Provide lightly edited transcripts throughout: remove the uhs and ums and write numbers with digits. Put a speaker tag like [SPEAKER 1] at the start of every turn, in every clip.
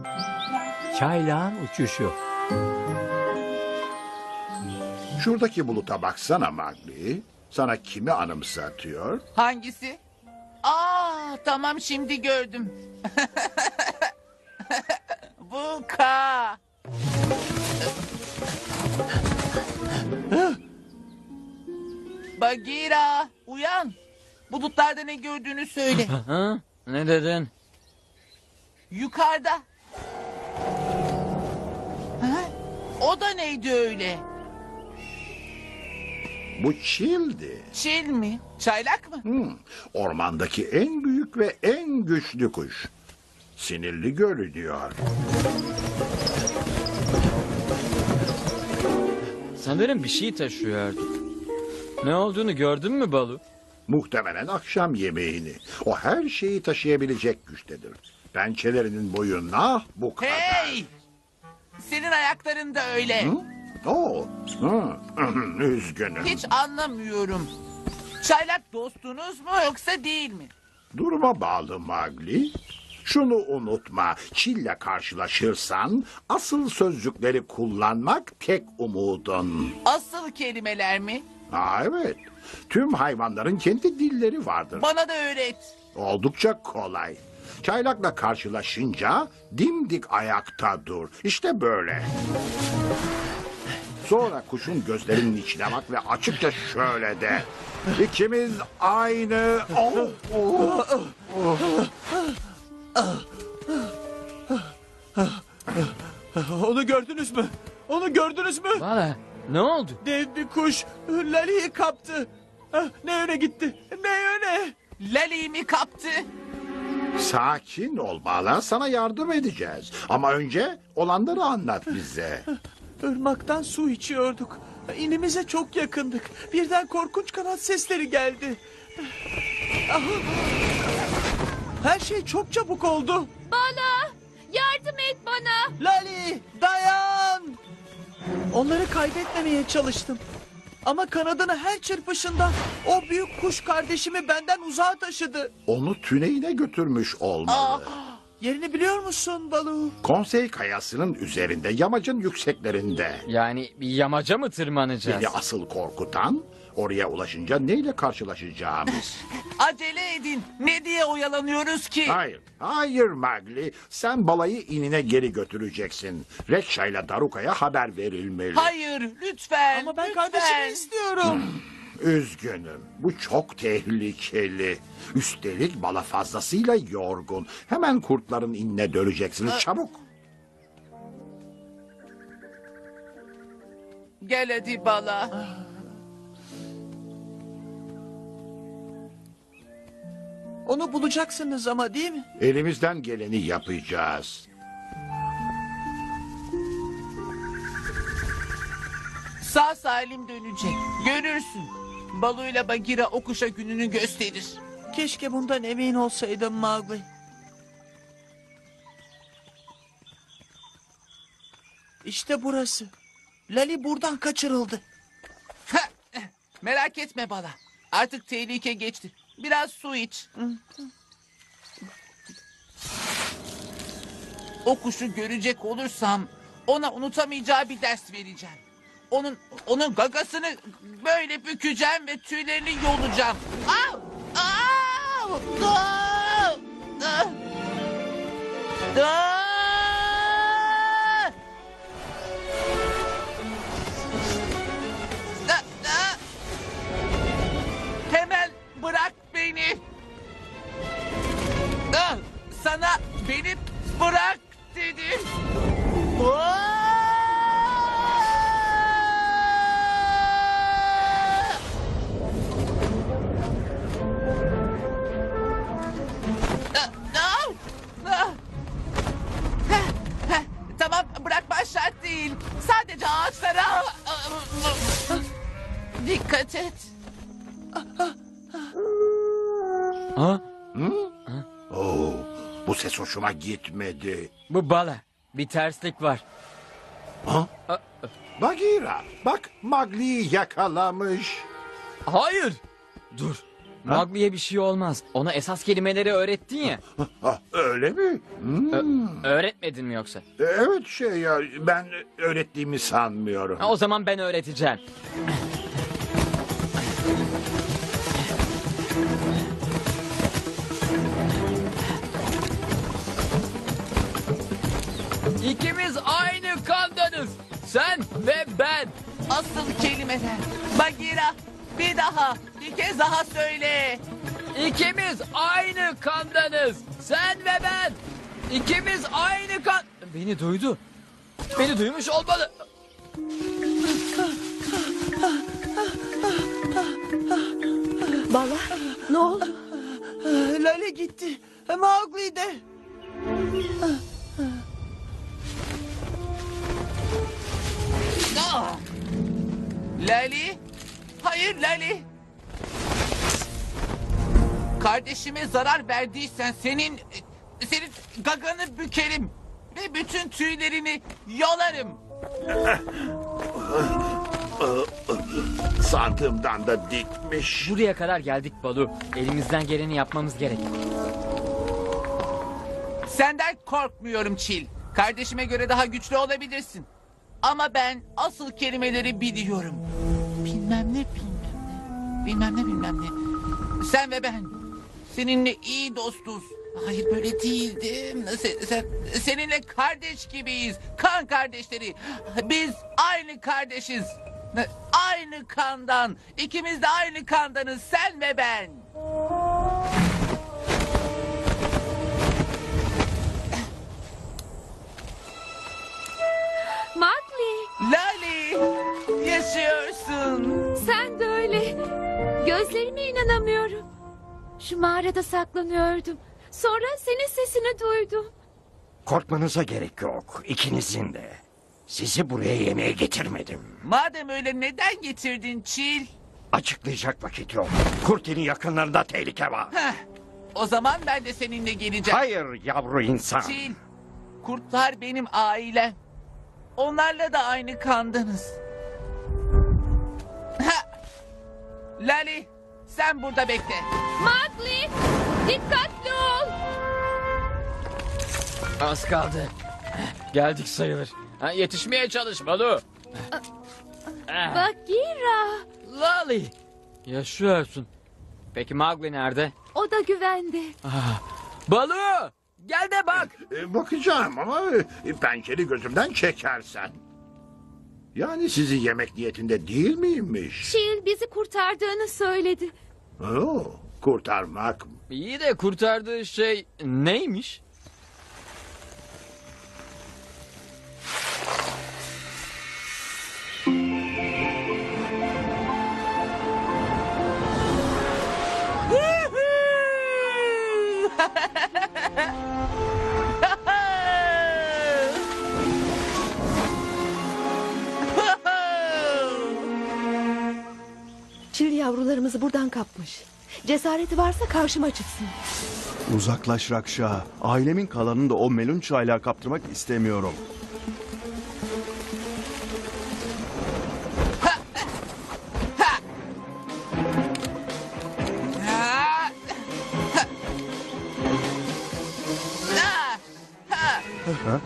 [SPEAKER 1] Çaylağın uçuşu.
[SPEAKER 2] Şuradaki buluta baksana Magli. Sana kimi anımsatıyor?
[SPEAKER 3] Hangisi? Aa, tamam şimdi gördüm. Bu K. Bagheera, uyan. Bulutlarda ne gördüğünü söyle.
[SPEAKER 1] Ha? Ne dedin?
[SPEAKER 3] Yukarıda. Ha? O da neydi öyle?
[SPEAKER 2] Bu çildi.
[SPEAKER 3] Çil mi? Çaylak mı?
[SPEAKER 2] Ormandaki en büyük ve en güçlü kuş. Sinirli görünüyor.
[SPEAKER 1] Sanırım bir şey taşıyordu. Ne olduğunu gördün mü Balu?
[SPEAKER 2] Muhtemelen akşam yemeğini. O her şeyi taşıyabilecek güçtedir. Pençelerinin boyu nah bu kadar.
[SPEAKER 3] Hey! Senin ayakların da öyle.
[SPEAKER 2] Oo, üzgünüm.
[SPEAKER 3] Hiç anlamıyorum. Çaylak dostunuz mu yoksa değil mi?
[SPEAKER 2] Duruma bağlı Magli. Şunu unutma, Çil'le karşılaşırsan asıl sözcükleri kullanmak tek umudun.
[SPEAKER 3] Asıl kelimeler mi?
[SPEAKER 2] Evet, tüm hayvanların kendi dilleri vardır.
[SPEAKER 3] Bana da öğret.
[SPEAKER 2] Oldukça kolay. Çaylakla karşılaşınca dimdik ayakta dur. İşte böyle. Sonra kuşun gözlerinin içine bak ve açıkça şöyle de. İkimiz aynı...
[SPEAKER 4] Onu gördünüz mü? Onu gördünüz mü?
[SPEAKER 1] Bala, ne oldu?
[SPEAKER 4] Dev bir kuş Lali'yi kaptı. Ne öne gitti, ne öne.
[SPEAKER 3] Lali'yi mi kaptı?
[SPEAKER 2] Sakin ol Bala, sana yardım edeceğiz. Ama önce olanları anlat bize.
[SPEAKER 4] Irmaktan su içiyorduk. İnimize çok yakındık. Birden korkunç kanat sesleri geldi. Ah! Her şey çok çabuk oldu.
[SPEAKER 5] Bala, yardım et bana.
[SPEAKER 4] Lali, dayan! Onları kaybetmemeye çalıştım. Ama kanadını her çırpışında o büyük kuş kardeşimi benden uzağa taşıdı.
[SPEAKER 2] Onu tüneyine götürmüş olmalı.
[SPEAKER 4] Yerini biliyor musun Balu?
[SPEAKER 2] Konsey kayasının üzerinde, yamacın yükseklerinde.
[SPEAKER 1] Yani bir yamaca mı tırmanacağız?
[SPEAKER 2] Beni asıl korkutan, oraya ulaşınca neyle karşılaşacağımız.
[SPEAKER 3] Acele edin. Ne diye oyalanıyoruz ki?
[SPEAKER 2] Hayır, hayır Magli. Sen balayı inine geri götüreceksin. Rekşa ile Daruka'ya haber verilmeli.
[SPEAKER 3] Hayır, lütfen.
[SPEAKER 4] Ama ben
[SPEAKER 3] lütfen.
[SPEAKER 4] kardeşimi istiyorum.
[SPEAKER 2] Üzgünüm. Bu çok tehlikeli. Üstelik bala fazlasıyla yorgun. Hemen kurtların inine döneceksiniz. Çabuk.
[SPEAKER 3] Gel hadi Bala.
[SPEAKER 4] Onu bulacaksınız ama değil mi?
[SPEAKER 2] Elimizden geleni yapacağız.
[SPEAKER 3] Sağ salim dönecek. Görürsün. Balu'yla Bagheera o kuşa gününü gösterir.
[SPEAKER 4] Keşke bundan emin olsaydım Mowgli. İşte burası. Lali buradan kaçırıldı.
[SPEAKER 3] Merak etme Bala. Artık tehlike geçti. Biraz su iç. O kuşu görecek olursam ona unutamayacağı bir ders vereceğim. Onun gagasını böyle bükeceğim ve tüylerini yolacağım. Au! Au! Au! Ah! Ah! Ah! Ah! Hemen bırak beni. Ah! Sana beni bırak dedim. Ah! Tamam, bırakman şart değil. Sadece ağaçlara... Dikkat et.
[SPEAKER 1] Ha?
[SPEAKER 2] Oo, bu ses hoşuma gitmedi.
[SPEAKER 1] Bu Bala. Bir terslik var.
[SPEAKER 2] Bagheera, bak Mowgli'yi yakalamış.
[SPEAKER 1] Hayır. Dur. Mowgli'ye bir şey olmaz. Ona esas kelimeleri öğrettin ya.
[SPEAKER 2] Ah, öyle mi?
[SPEAKER 1] Öğretmedin mi yoksa?
[SPEAKER 2] Evet ya ben öğrettiğimi sanmıyorum.
[SPEAKER 1] O zaman ben öğreteceğim. İkimiz aynı kandanız. Sen ve ben.
[SPEAKER 3] Asıl kelimeler. Bagheera, bir daha, bir kez daha söyle.
[SPEAKER 1] İkimiz aynı kandanız. Sen ve ben. İkimiz aynı kan... Beni duydu. Beni duymuş olmalı.
[SPEAKER 5] Bala ne oldu?
[SPEAKER 4] Lale gitti. Mowgli de.
[SPEAKER 3] Ah! Lali? Hayır Lali. Kardeşime zarar verdiysen senin gaganı bükerim ve bütün tüylerini yolarım.
[SPEAKER 2] Sandığımdan da dikmiş.
[SPEAKER 1] Buraya kadar geldik Balu. Elimizden geleni yapmamız gerek.
[SPEAKER 3] Senden korkmuyorum Çil. Kardeşime göre daha güçlü olabilirsin. Ama ben asıl kelimeleri biliyorum. Bilmem ne, bilmem ne. Bilmem ne, bilmem ne. Sen ve ben. Seninle iyi dostuz. Hayır böyle değildim. Seninle kardeş gibiyiz. Kan kardeşleri. Biz aynı kardeşiz. Aynı kandan. İkimiz de aynı kandanız. Sen ve ben.
[SPEAKER 5] Mowgli
[SPEAKER 3] Lali. Yaşıyorsun.
[SPEAKER 5] sen de öyle. Gözlerime inanamıyorum. Şu mağarada saklanıyordum. Sonra senin sesini duydum.
[SPEAKER 6] Korkmanıza gerek yok, ikinizin de. Sizi buraya yemeğe getirmedim.
[SPEAKER 3] Madem öyle neden getirdin Çil?
[SPEAKER 6] Açıklayacak vakit yok. Kurt'in yakınlarında tehlike var.
[SPEAKER 3] Heh, o zaman ben de seninle geleceğim.
[SPEAKER 6] Hayır yavru insan.
[SPEAKER 3] Çil, kurtlar benim ailem. Onlarla da aynı kandanız. Ha! Lali, sen burada bekle.
[SPEAKER 5] Mowgli dikkatli ol.
[SPEAKER 1] Az kaldı. Geldik sayılır. Yetişmeye çalış Balu.
[SPEAKER 5] Bagheera
[SPEAKER 1] Lali. Yaşıyorsun. Peki Mowgli nerede?
[SPEAKER 5] o da güvende.
[SPEAKER 1] Balu. Gel de bak.
[SPEAKER 2] Bakacağım ama pençeli gözümden çekersen. Yani sizi yemek niyetinde değil miymiş?
[SPEAKER 5] Çil bizi kurtardığını söyledi.
[SPEAKER 2] Oo, kurtarmak mı?
[SPEAKER 1] İyi de kurtardığı şey neymiş?
[SPEAKER 7] Çil yavrularımızı buradan kapmış. Cesareti varsa karşıma çıksın.
[SPEAKER 8] Uzaklaş Rakşa. Ailemin kalanını da o melun çaylağa kaptırmak istemiyorum.
[SPEAKER 3] Ha! Ha! Ha!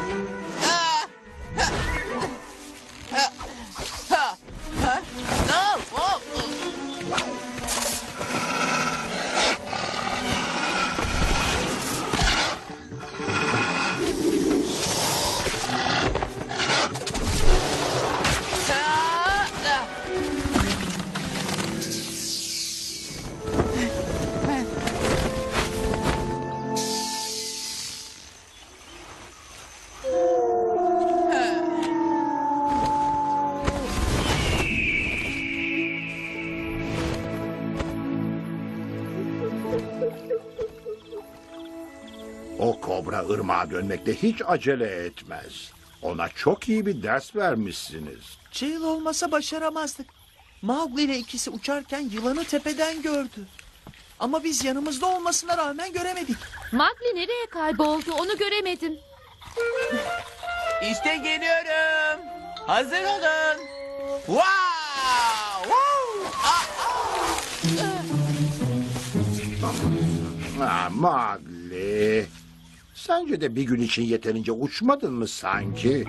[SPEAKER 2] O kobra ırmağa dönmekte hiç acele etmez. Ona çok iyi bir ders vermişsiniz.
[SPEAKER 4] Çil olmasa başaramazdık. Mowgli ile ikisi uçarken yılanı tepeden gördü. Ama biz yanımızda olmasına rağmen göremedik.
[SPEAKER 5] Mowgli nereye kayboldu onu göremedim.
[SPEAKER 3] İşte geliyorum. Hazır olun. Wow! Woo! Ah, ah!
[SPEAKER 2] Mowgli, sence de bir gün için yeterince uçmadın mı sanki?